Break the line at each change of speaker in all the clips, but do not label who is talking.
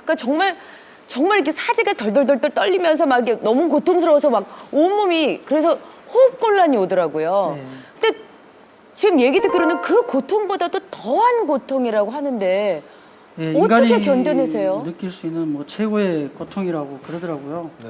그러니까 정말 이렇게 사지가 덜덜덜덜 떨리면서 막 이게 너무 고통스러워서 막 온몸이 그래서 호흡곤란이 오더라고요. 근데 지금 얘기 듣기로는 그 고통보다도 더한 고통이라고 하는데
예,
어떻게
인간이
견뎌내세요?
느낄 수 있는 뭐 최고의 고통이라고 그러더라고요.
네.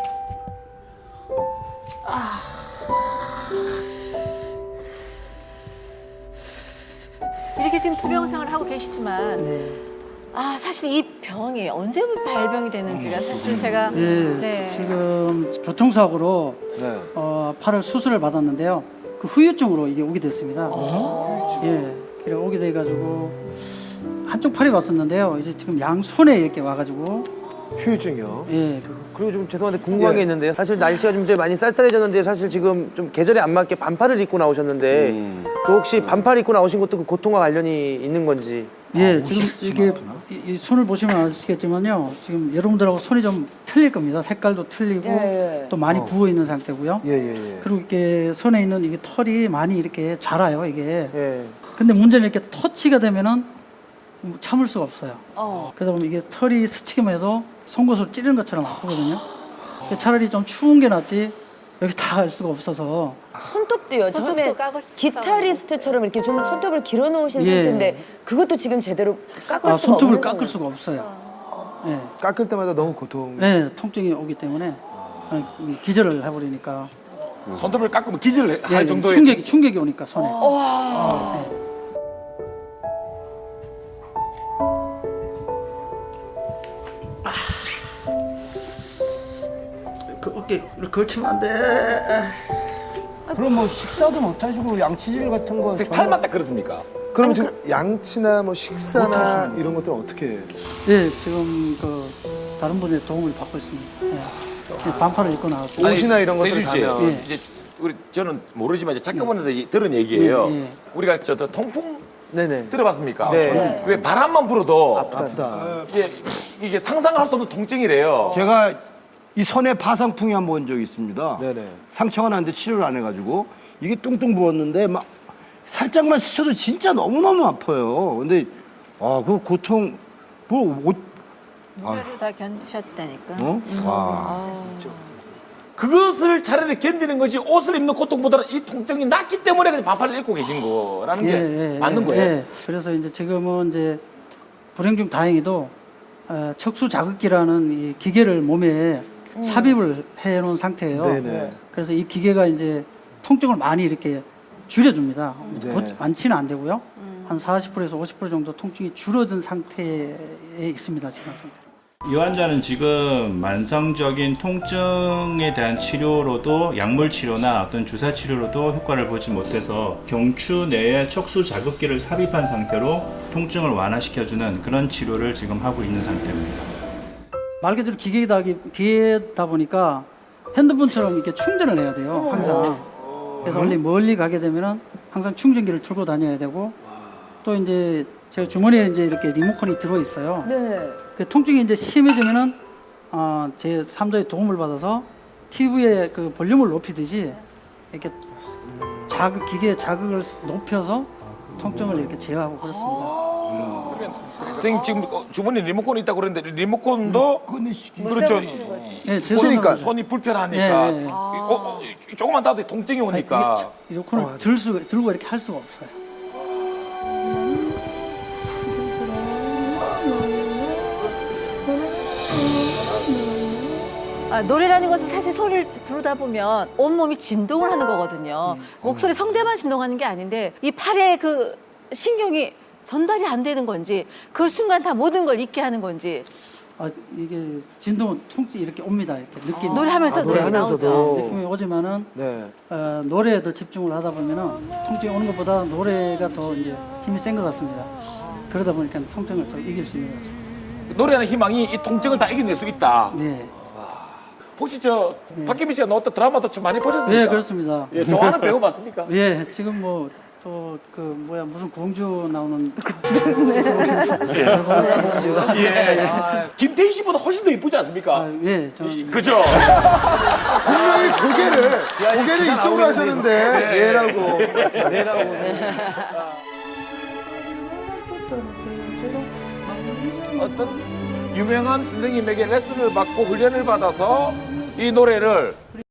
이렇게 지금 투병 생활을 하고 계시지만
네.
사실 이 병이 언제부터 발병이 되는지가 사실 제가
예, 지금 교통사고로
네.
팔을 수술을 받았는데요. 그 후유증으로 이게 오게 됐습니다. 예, 그래 오게 돼가지고 한쪽 팔이 왔었는데요. 이제 지금 양손에 이렇게 와가지고
후유증이요.
예,
그리고 좀 죄송한데 궁금한 게
예.
있는데요. 사실 날씨가 좀 이제 많이 쌀쌀해졌는데 사실 지금 좀 계절에 안 맞게 반팔을 입고 나오셨는데 그 혹시 반팔 입고 나오신 것도 그 고통과 관련이 있는 건지?
예, 지금 이게 이 손을 보시면 아시겠지만요. 지금 여러분들하고 손이 좀 틀릴 겁니다. 색깔도 틀리고
예.
또 많이 부어 있는 상태고요.
예, 예, 예.
그리고 이렇게 손에 있는 이게 털이 많이 이렇게 자라요, 이게.
예.
근데 문제는 이렇게 터치가 되면은 참을 수가 없어요. 그러다 보면 이게 털이 스치기만 해도 송곳을 찌르는 것처럼 아프거든요. 차라리 좀 추운 게 낫지 여기 다 할 수가 없어서.
손톱도요.
손톱도
처음에
깎을 수
기타리스트처럼 이렇게 좀 손톱을 길어놓으신
예.
상태인데 그것도 지금 제대로 깎을 수가
손톱을
없는
깎을
상황이에요.
수가 없어요. 예,
깎을 때마다 너무 고통.
네, 통증이 오기 때문에 기절을 해버리니까.
손톱을 깎으면 기절할
예,
정도의
충격이 오니까 손에. 그 어깨 이렇게 걸치면 안 돼.
그럼 뭐 식사도 못 하시고 양치질 같은 거
선생님 팔만 딱 그렇습니까?
그럼 지금 양치나 뭐 식사나 이런 것들은 어떻게 해요?
예, 지금 그 다른 분의 도움을 받고 있습니다. 예, 반팔을 입고 나왔어요.
옷이나 이런 것들
세준 씨,
가면.
예.
이제 우리 저는 모르지만 이제 작가분한테 들은 얘기예요.
예, 예.
우리가 저 통풍
네네.
들어봤습니까?
네.
왜 바람만 불어도
아프다.
이게 상상할 수 없는 통증이래요.
제가 이 손에 파상풍이 한 번 본 적이 있습니다.
네네.
상처가 났는데 치료를 안 해가지고 이게 뚱뚱 부었는데 막 살짝만 스쳐도 진짜 너무너무 아파요. 근데 그 고통
노래를 다 견디셨다니까.
그것을 차라리 견디는 거지 옷을 입는 고통보다는 이 통증이 낫기 때문에 그냥 반팔을 입고 계신 거라는 게 맞는 거예요.
예. 그래서 이제 지금은 이제 불행 중 다행히도 척수 자극기라는 이 기계를 몸에 삽입을 해놓은 상태예요.
네네.
그래서 이 기계가 이제 통증을 많이 이렇게 줄여줍니다.
네.
많지는 안 되고요. 한 40%에서 50% 정도 통증이 줄어든 상태에 있습니다. 지금 상태.
이 환자는 지금 만성적인 통증에 대한 치료로도 약물 치료나 어떤 주사 치료로도 효과를 보지 못해서 경추 내에 척수 자극기를 삽입한 상태로 통증을 완화시켜주는 그런 치료를 지금 하고 있는 상태입니다.
말 그대로 기계다 보니까 핸드폰처럼 이렇게 충전을 해야 돼요. 항상. 그래서 원래 멀리 가게 되면은 항상 충전기를 들고 다녀야 되고 또 이제 제가 주머니에 이제 이렇게 리모컨이 들어 있어요.
네.
그 통증이 이제 심해지면은 제 3자의 도움을 받아서 TV에 그 볼륨을 높이듯이 이렇게 기계의 자극을 높여서 통증을 이렇게 제어하고 그렇습니다.
선생님 지금 주머니 리모컨이 있다고 그랬는데 리모컨도 그렇죠.
네,
스치니까.
손이 불편하니까
예, 예.
조금만 닿아도 통증이 오니까
리모컨을 들고 이렇게 할 수가 없어요.
노래라는 것은 사실 소리를 부르다 보면 온몸이 진동을 하는 거거든요. 목소리 성대만 진동하는 게 아닌데 이 팔에 그 신경이 전달이 안 되는 건지 그 순간 다 모든 걸 잊게 하는 건지
이게 진동은 통증이 이렇게 옵니다. 이렇게 느낌이.
노래하면서
노래하면서도.
느낌이 오지만은
네.
노래에 더 집중을 하다 보면은 통증이 오는 것보다 노래가 더 이제 힘이 센 것 같습니다. 그러다 보니까 통증을 더 이길 수 있는 것 같습니다.
노래하는 희망이 이 통증을 다 이겨낼 수 있다.
네.
혹시 박혜민 씨가 나왔던 드라마도 좀 많이 보셨습니까?
네, 그렇습니다.
예, 좋아하는 배우 맞습니까?
예, 지금 뭐 또 그 무슨 공주 나오는
예. 김태희 씨보다 훨씬 더 이쁘지 않습니까?
예, 저는
그죠?
분명히 고개를 이쪽으로 하셨는데 얘라고.
어떤 유명한 선생님에게 레슨을 받고 훈련을 받아서 이 노래를